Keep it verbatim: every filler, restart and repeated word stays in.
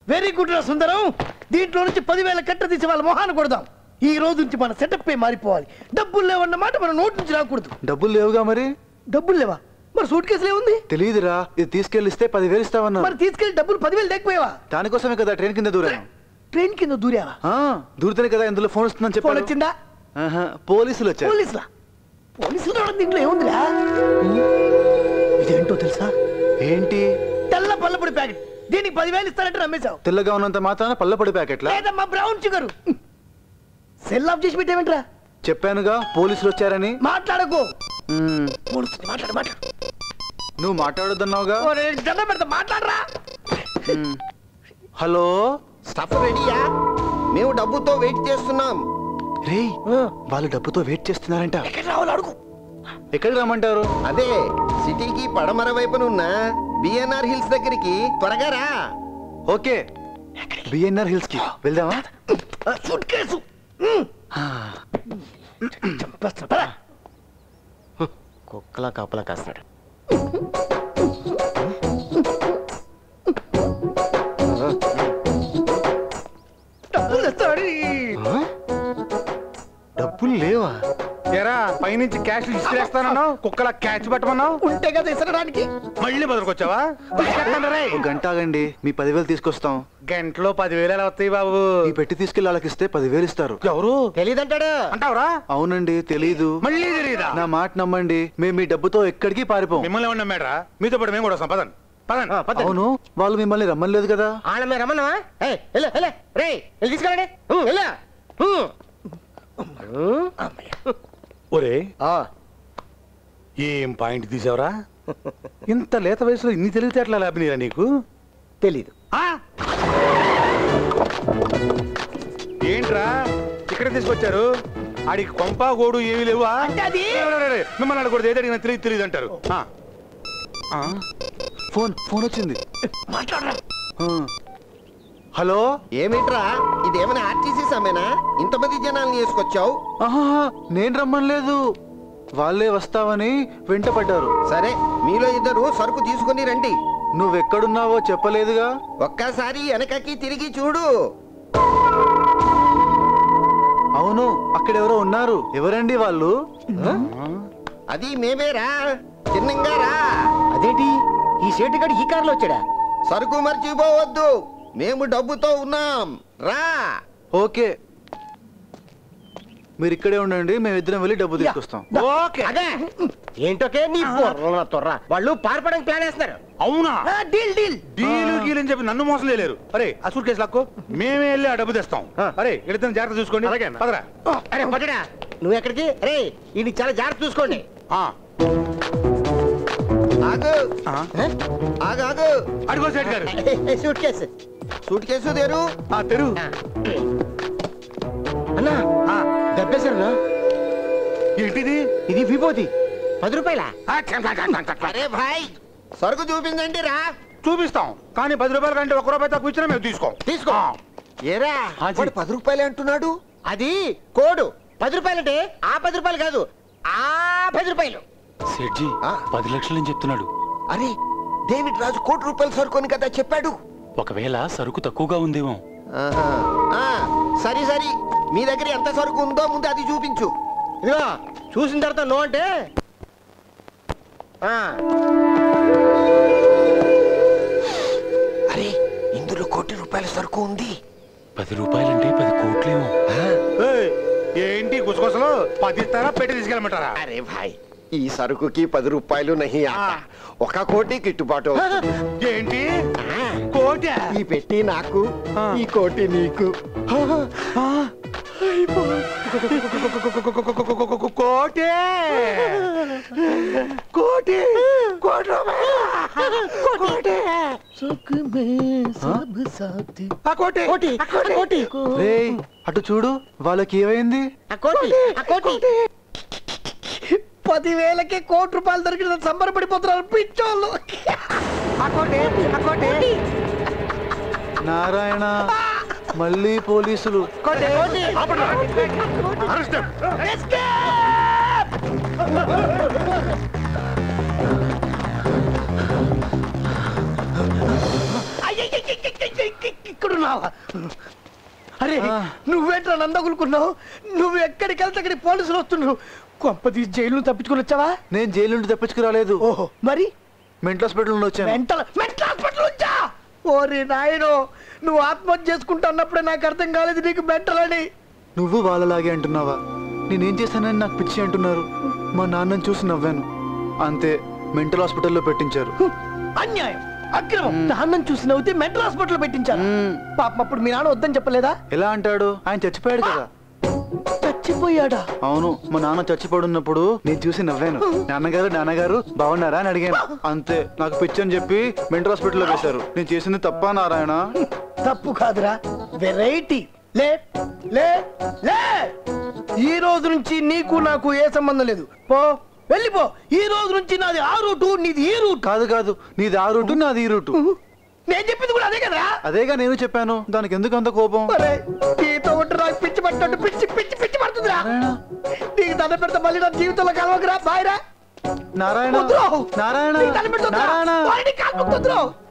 Very good రా సుందరం. దీంట్లో నుంచి పదివేల కట్ట తీసి వాళ్ళ మొహాన్ని కొడదాం. ఈ రోజు నుంచి మన సెటప్ మారిపోవాలి. డబ్బులు లేవన్న మాట మన నోటి నుంచి రాకూడదు. డబ్బులు లేవుగా మరి? డబ్బులు లేవా? మరి సూట్ కేసులు ఏముంది? తెలియదురా. ఇది తీసుకెళ్ళిస్తే పదివేలు ఇస్తావన్నా. మరి తీసుకెళ్లి డబ్బులు పదివేలు లేకపోయావా? దానికోసమే కదా ట్రైన్ కింద దూరాను. ట్రైన్ కింద దూరావా? దూరితేనే కదా ఇందులో ఫోన్ వస్తుందని చెప్పి. ఫోన్ వచ్చిందా? పోలీసులు వచ్చారు. పోలీసులా? పోలీసులు రావడం దీంట్లో ఏముందిరా? ఇదేంటో తెలుసా? ఏంటి? తెల్ల పల్లపొడి ప్యాకెట్. దీనికి పదివేలు ఇస్తారంటే రమ్మేశావు. తెల్లగా ఉన్నంత మాత్రాన పల్లపొడి ప్యాకెట్లా? లేదమ్మా, బ్రౌన్ షుగర్. సెల్ ఆఫ్ చేసి పెట్టేమంటరా? చెప్పానుగా పోలీసులు వచ్చారని. మాట్లాడకు. పోలీసులు మాట్లాడు మాట్లాడు. నువ్వు మాట్లాడొద్దన్నావుగా. దండం పెడతా, మాట్లాడరా. హలో, స్టఫ్ రెడీయా? మేము డబ్బుతో వెయిట్ చేస్తున్నాం. రే, వాళ్ళు డబ్బుతో వెయిట్ చేస్తున్నారంట. ఎక్కడ రావాలి అడుగు. ఎక్కడికి రమ్మంటారు? అదే సిటీకి పడమర వైపునున్న బిఎన్ఆర్ హిల్స్ దగ్గరికి త్వరగా రా. ఓకే, బిఎన్ఆర్ హిల్స్ కి వెళ్దామా? సూట్ కేసు కుక్కలా కాపలా కాస్తున్నాడు. డబ్బులు లేవా? ఎరా పైనుంచి క్యాష్ ఇస్తానన్నావు, కుక్కలా క్యాచ్ పెట్టమన్నావు. ఉంటే కదా ఇసరడానికి. మళ్ళీ బదులుకొచ్చావా? గంట ఆగండి, మీ పదివేలు తీసుకొస్తాం. గంటలో పదివేలు ఎలా వస్తాయి బాబు? ఈ పెట్టి తీసుకెళ్ళి వాళ్ళకి ఇస్తే పదివేలు ఇస్తారు. ఎవరు? తెలీదంటాడు. అంటావురా? అవునండి, తెలీదు. మళ్ళీ తెలీదా? నా మాట నమ్మండి, మేము మీ డబ్బుతో ఎక్కడికి పారిపోం. మిమ్మల్ని ఏమన్నా నమ్మాడరా? మీతో పాటు మేము కూడా వస్తాం. పదండి పదండి. అవును, వాళ్ళు మిమ్మల్ని రమ్మలేదు కదా. ఆడమే రమ్మన్నా. రే తీసుకెళ్ళండి. ఒరే, ఏం పాయింట్ తీసావురా? ఇంత లేత వయసులో ఇన్ని తెలివితేటలా లాభినీరా నీకు? తెలీదు. ఏంట్రా ఇక్కడ తీసుకొచ్చారు? ఆడికి కొంప గోడు ఏమీ లేవా? మిమ్మల్ని అడగకూడదు, ఏది అడిగినా తెలియదు తెలియదు అంటారు. ఫోన్ ఫోన్ వచ్చింది. మాట్లాడరా. హలో, ఏమిట్రా ఇదేమైనా ఆర్టీసీ సమేనా? ఇంతమంది జనాల్ని వేసుకొచ్చావు? నేను రమ్మనలేదు, వాళ్ళే వస్తావని వెంట పడ్డారు. సరే, మీలో ఇద్దరు సరుకు తీసుకుని రండి. నువ్వెక్కడున్నావో చెప్పలేదుగా. ఒక్కసారి వెనకకి తిరిగి చూడు. అవును, అక్కడెవరో ఉన్నారు. ఎవరండి వాళ్ళు? అది మేమేరా, చిన్నంగా రా. అదేంటి ఈ సేటు గడి ఈ కారులో వచ్చాడా? సరుకు మర్చిపోవద్దు, మేము డబ్బుతో ఉన్నాం, రా. ఓకే, మీరు ఇక్కడే ఉండండి, మేమిద్దరం వెళ్ళి డబ్బు తీసుకొస్తాం. ఏంటోకే నీ తొర్ర, వాళ్ళు పారిపోవడానికి ప్లాన్ వేస్తున్నారు. అవునా? డీల్ డీల్ డీలు గీలు అని చెప్పి నన్ను మోసం చేయలేరు. అరే ఆ సూట్ కేసు లాక్కో, మేమే వెళ్ళి ఆ డబ్బు తెస్తాం. అరే ఇద్దరు జాగ్రత్త చూసుకోండి. పదరా. అరే పట్టడా, నువ్వు ఎక్కడికి? అరే ఇది చాలా జాగ్రత్త చూసుకోండి. ఆగు ఆగు ఆగు. అడుగో సేట్ గారు. సూట్ కేసు సూట్ కేసు తెరు. తెరు. అన్నా దెబ్బేశారు. ఏంటిది? ఇది విభూతి. పది రూపాయల. అరే భాయ్, సరుకు చూపించండి రా. చూపిస్తాం, కానీ పది రూపాయల కంటే ఒక రూపాయి తక్కువ ఇచ్చినా మేము తీసుకోం. తీసుకో. ఏరా వాడు పది రూపాయలే అంటున్నాడు. అది కోడు. పది రూపాయలంటే ఆ పది రూపాయలు కాదు, ఆ పది రూపాయలు. సెడ్జీ పది లక్షలని చెప్తున్నాడు. అరే డేవిడ్ రాజు కోటి రూపాయలు సరుకుని కదా చెప్పాడు. ఒకవేళ సరుకు తక్కువగా ఉందేమో. సరే సరే, మీ దగ్గర ఎంత సరుకు ఉందో ముందు అది చూపించు. ఇదిగో చూసిన తర్వాత నో అంటే. అరే ఇందులో కోటి రూపాయల సరుకు ఉంది. పది రూపాయలంటే పది కోట్లేమో. ఏంటి గుసగుసలు? పది ఇస్తారా, పెట్టి తీసుకెళ్ళమంటారా? అరే భాయ్, ఈ సరుకుకి పది రూపాయలు నహి ఆతా. ఒక కోటి గిట్టుబాటు. ఏంటి కోటి? ఈ పెట్టి నాకు, ఈ కోటి నీకు. కోటి కోటి కోటి. అటు చూడు, వాళ్ళకి ఏమైంది? పదివేలకే కోటి రూపాయలు దొరికిన సంబరపడిపోతున్నారు పిచ్చోళ్ళు. నారాయణ, మళ్ళీ పోలీసులు. అంటున్నావా? అరే నువ్వేంట్రా నందగులుకున్నావు? నువ్వు ఎక్కడికి వెళ్తే అక్కడికి పోలీసులు వస్తున్నారు. కొంపదీసి జైలు తప్పించుకుని వచ్చావా? నేను జైలు నుండి తప్పించుకురాలేదు. ఓహో మరి మెంటల్ హాస్పిటల్ నుండి వచ్చాను. మెంటల్ మెంటల్ హాస్పిటల్ వచ్చా? ఓరి నాయనో, నువ్వు ఆత్మహత్య చేసుకుంటా అన్నప్పుడే నాకు అర్థం కాలేదు నీకు మెంటల్ అని. నువ్వు వాళ్ళలాగే అంటున్నావా? నేనేం చేశానని నాకు పిచ్చి అంటున్నారు. మా నాన్నని చూసి నవ్వాను అంతే, మెంటల్ హాస్పిటల్లో పెట్టించారు. అన్యాయం, అక్రమం. నాన్నం చూసి నవ్వుతే మెంటల్ హాస్పిటల్ పెట్టించారు. పాపం అప్పుడు మీ నాన్న వద్దని చెప్పలేదా? ఎలా అంటాడు? ఆయన చచ్చిపోయాడు కదా. చచ్చిపోయాడా? అవును, మా నాన్న చచ్చిపోడున్నప్పుడు నేను చూసి నవ్వాను. నాన్నగారు నాన్నగారు బాగున్నారా అని అడిగాను అంతే. నాకు పిచ్చి అని చెప్పి మెంటల్ హాస్పిటల్లో వేశారు. నేను చేసింది తప్ప నారాయణ? తప్పు కాదురా, వెరైటీ. లే లే లే ఈ రోజు నుంచి నీకు నాకు ఏ సంబంధం లేదు. పో, వెళ్ళిపో. ఈ రోజు నుంచి నాది ఆ రూటు, నీది ఈ రూట్. కాదు కాదు, నీది ఆ రూటు నాది ఈ రూటు. నేను చెప్పింది కూడా అదే కదా. అదేగా నేను చెప్పాను, దానికి ఎందుకు అంత కోపం? నీతో ఉంటే నాకు పిచ్చి పట్టినట్టు పిచ్చి పిచ్చి పిచ్చి పడుతుందిరా. నీకు దండ పెడతా, మళ్ళీ నా జీవితంలో కలవకరా. బాయ్ రా నారాయణ. వద్దురా. నారాయణ నీకు దండ పెడతా, నారాయణ వాడిని కాల్పుకొద్దురా.